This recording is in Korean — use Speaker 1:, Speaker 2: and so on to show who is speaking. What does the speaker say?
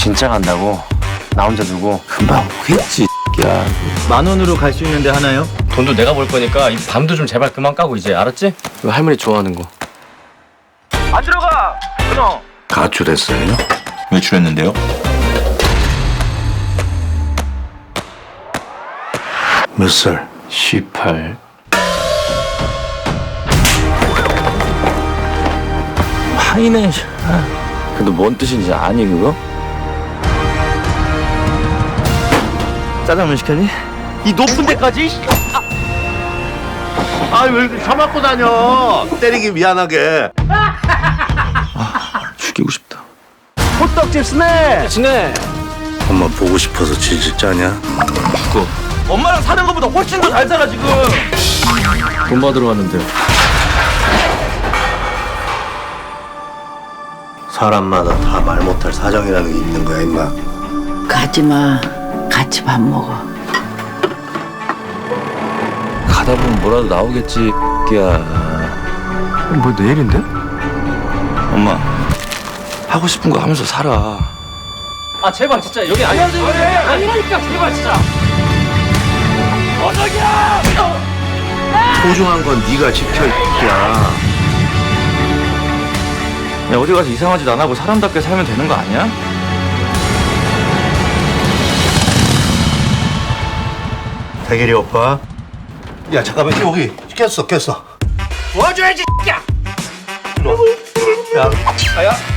Speaker 1: 진짜 간다고? 나 혼자 두고?
Speaker 2: 금방 오겠지. 야,
Speaker 3: 10,000원으로 갈 수 있는데 하나요?
Speaker 1: 돈도 내가 벌 거니까 이 밤도 좀 제발 그만 까고 이제 알았지?
Speaker 2: 이거 할머니 좋아하는 거.
Speaker 1: 안 들어가! 끊어!
Speaker 2: 가출했어요?
Speaker 4: 외출했는데요?
Speaker 2: 몇 살? 18. 파이네. 근데 뭔 뜻인지 아니 그거?
Speaker 3: 짜장면 시켰니? 이 높은 데까지?
Speaker 5: 왜 이렇게 처맞고 다녀? 때리기 미안하게.
Speaker 2: 죽이고 싶다.
Speaker 3: 호떡집 스낵!
Speaker 2: 엄마 보고 싶어서 질질 짜냐?
Speaker 1: 엄마랑 사는 것보다 훨씬 더 잘 살아 지금!
Speaker 2: 돈 받으러 왔는데. 사람마다 다 말 못할 사정이라는 게 있는 거야 임마.
Speaker 6: 가지마. 같이 밥 먹어.
Speaker 2: 가다 보면 뭐라도 나오겠지. 야. 뭐 내일인데? 엄마 하고 싶은 거 하면서 살아.
Speaker 1: 아 제발 진짜 여기 아니라니까 제발 진짜!
Speaker 2: 소중한 건 네가 지켜 야.
Speaker 1: 야 어디 가서 이상한 짓 안 하고 사람답게 살면 되는 거 아니야?
Speaker 2: 대길이 오빠.
Speaker 5: 야 잠깐만 여기 깼어.
Speaker 1: 도와줘야지 야!
Speaker 5: 야,
Speaker 1: 아야